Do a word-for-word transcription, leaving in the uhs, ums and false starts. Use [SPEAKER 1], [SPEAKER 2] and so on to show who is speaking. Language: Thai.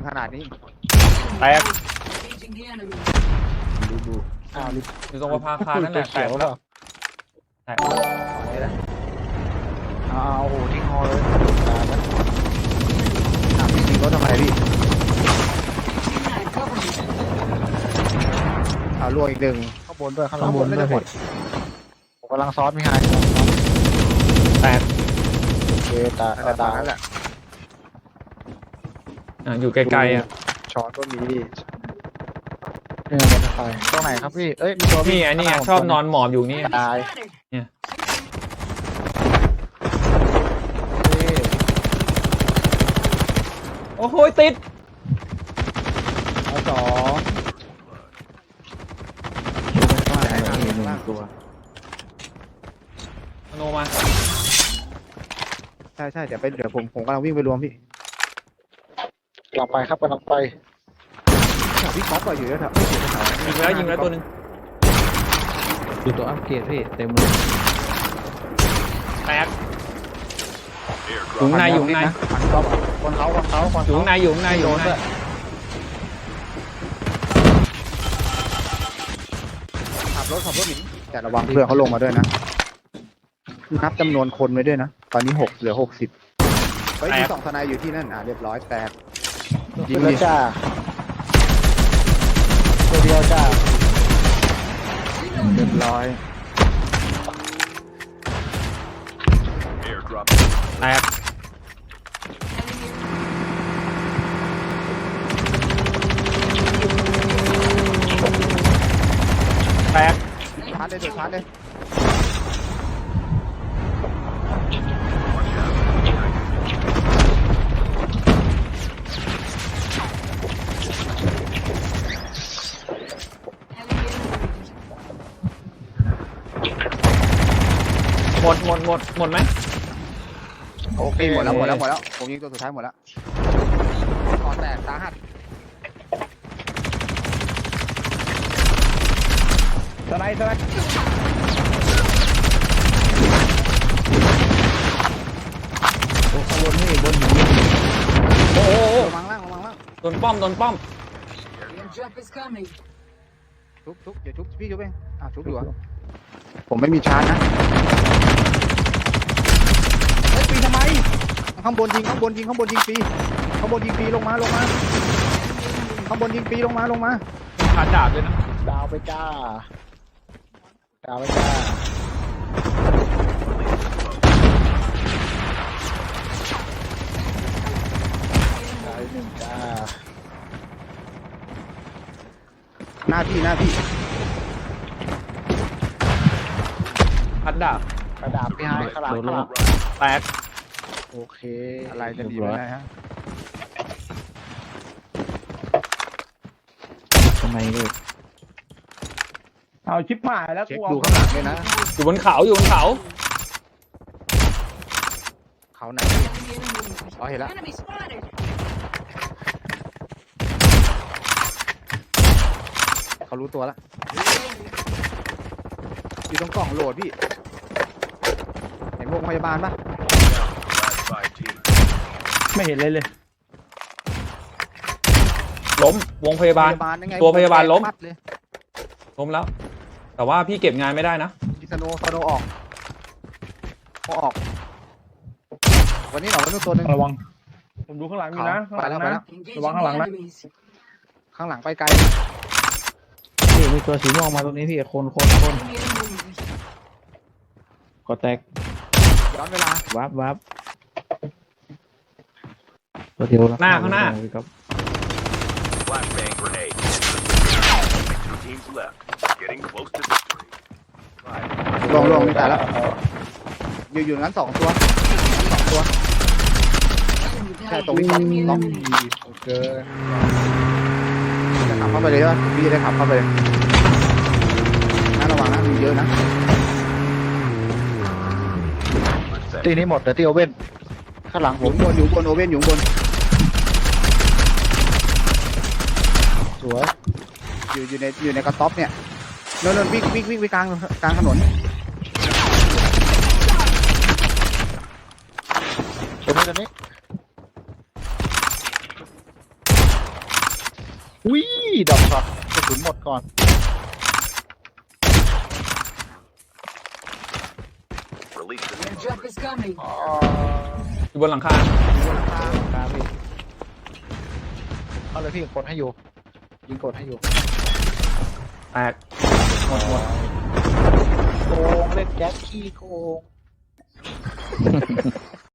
[SPEAKER 1] ขนาดนี้
[SPEAKER 2] แตก
[SPEAKER 1] ดูดูอ้าว
[SPEAKER 2] อยู่ตรงประภาคารนั่นแหละแตกแล้วแตก
[SPEAKER 1] อ้าวโอ้โหทิ้งฮอเลยอ่ะพี่ยิงรถทำไมพี่อ้าวล่วงอีกหนึ่งข้างบนด้วยข้างบนไม่ได้หมดผมกำลังซ้อนไม่หาย
[SPEAKER 2] แตก
[SPEAKER 1] โอเคตาตานั่นแหละ
[SPEAKER 2] อ่ะอยู่ไกลๆอ่ะ
[SPEAKER 1] ช้อนก็มีเนี่ยมันจะไปตรงไหนครับพี่เอ้ยมีตัว
[SPEAKER 2] นี่ไงนี่ไงชอบนอนหมอบอยู่นี่
[SPEAKER 1] ตาย
[SPEAKER 2] เนี่ยโอ้โหติด
[SPEAKER 1] เอาสองตัว
[SPEAKER 2] โนมา
[SPEAKER 1] ใช่ใช่เดี๋ยวไปเดี๋ยวผมผมกำลังวิ่งไปรวมพี่กำลังไปครับกำลังไปพี่ก๊อฟก็อยู่ด้วยครับ
[SPEAKER 2] ยิงแล้วยิงแล้วตัวนึง
[SPEAKER 1] ดูตัวอัปเกรดพี่เต็มเลย
[SPEAKER 2] แตกอยู่ในอยู่ใน
[SPEAKER 1] คนเขาคนเขาคน
[SPEAKER 2] อยู่ในอยู่ในอยู่ใน
[SPEAKER 1] ขับรถขับรถหนีแต่ระวังเพื่อนเขาลงมาด้วยนะนับจำนวนคนไว้ด้วยนะตอนนี้หกเหลือหกสิบเฮ้ยมีสองทนายอยู่ที่นั่นอ่ะเรียบร้อยแตกยิงเลยจ้าตัวเดียวจ้าเรียบร้อย
[SPEAKER 2] แตกแตก
[SPEAKER 1] ชาร์จเลยเดี๋ยวชาร์จเลย
[SPEAKER 2] หมดหมดหมดหมดไหม
[SPEAKER 1] โอเคหมดแล้วหมดแล้วหมดแล้วผมยิงตัวสุดท้ายหมดแล้วคอแตกสาหัสสไลด์สไลด์โอ้ขบวนนี่บนหิน
[SPEAKER 2] โอ้โห
[SPEAKER 1] ระวังล่างระวังล่าง
[SPEAKER 2] โดนป้อมโดนป้อม
[SPEAKER 1] ทุบทุบเดี๋ยวทุบพี่ทุบเองอ่ะทุบอยู่ผมไม่มีชาร์จนะเฮ้ยปีทำไมข้างบนยิงข้างบนยิงข้างบนยิงปีข้างบนยิงปีลงมาลงมาข้างบนยิงปีลงมาลงมา
[SPEAKER 2] ขาดดาบเลยนะ
[SPEAKER 1] ดาวไปจ้าดาวไปจ้าดาวหนึ่งจ้าหน้าพี่หน้าพี่
[SPEAKER 2] ขาดดาบ
[SPEAKER 1] กระดาษพี่ไฮขลังขลัง
[SPEAKER 2] แตก
[SPEAKER 1] โอเคอะไรจะดีไปนะฮะทำไมลูก
[SPEAKER 3] เอาชิปหายแล้ว
[SPEAKER 1] กูดูข้างหลังเลยนะ
[SPEAKER 2] อยู่บนเขาอยู่บนเขา
[SPEAKER 1] เขาไหนอ๋อเห็นแล้วเขารู้ตัวแล้วอยู่ตรงกล่องโหลดพี่เห็นวงพยาบาลปะ
[SPEAKER 3] ไม่เห็นเลยเลย
[SPEAKER 2] ล้มวงพยาบาลตัวพยาบาลล้มล้มแล้วแต่ว่าพี่เก็บงานไม่ได้นะ
[SPEAKER 1] สโนสโนออกออกวันนี้หนอวันนู้นตัวนึง
[SPEAKER 3] ระวังผมดูข้างหลังอยู่นะ
[SPEAKER 1] ไปแล้วไปแล้ว
[SPEAKER 3] ระวังข้างหลังนะ
[SPEAKER 1] ข้างหลังไปไกลนี่มีตัวสีม่วงมาตรงนี้พี่คนคนคนก็แตกย้อนเวลาวับวับตัวเดียว
[SPEAKER 2] หน้าข้างหน้า
[SPEAKER 1] ลงลงนี่แต่แล้วอยู่อยู่งั้นสองตัวสองตัวใช่ตรงนี้ล็อกโอเคจะขับเข้าไปเลยใช่ไหมพี่จะได้ขับเข้าไปเลยน่าระวังนะมีเยอะนะตีนี้หมดแต่ที่โอเว่นข้างหลังผมบนอยู่บนโอเว่นอยู่บนสวยอยู่อยู่ในอยู่ในกระต๊อบเนี่ยนนนวิ่งวิ่งวิ่งไปกลางกลางถนนตรงนี้ตรงนี้อุ้ยดอกช็อตกระสุนหมดก่อน
[SPEAKER 4] Airdrop is coming.
[SPEAKER 2] อยู่บนหลังคา
[SPEAKER 1] ครับพี่เอาเลยพี่กดให้อยู่ยิงกดให้อยู่
[SPEAKER 2] แตกหมดหมด
[SPEAKER 1] โกงเล่นแจ็คขี้โกง